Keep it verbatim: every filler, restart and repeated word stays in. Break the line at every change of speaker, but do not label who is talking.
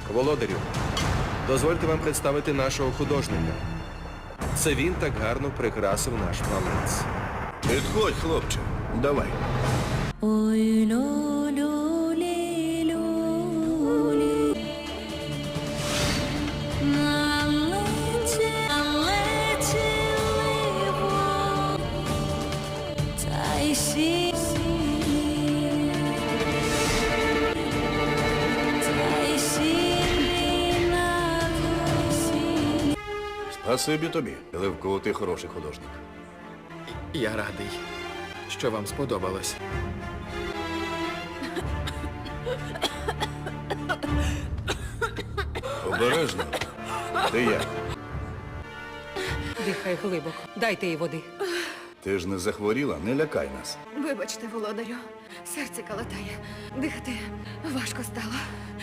Володарю, дозвольте вам представити нашого художника. Це він так гарно прикрасив наш палац.
Підходь, хлопче, давай.
Ой, лю-лю-лі, лю-лі. Налеті, налетіли вон, та й сі, та й сілі на косі.
Спасибі тобі, Левко, ти хороший художник.
Я радий, що вам сподобалось.
Обережно. Ти як?
Дихай глибоко. Дайте їй води.
Ти ж не захворіла? Не лякай нас.
Вибачте, володарю, серце калатає. Дихати важко стало.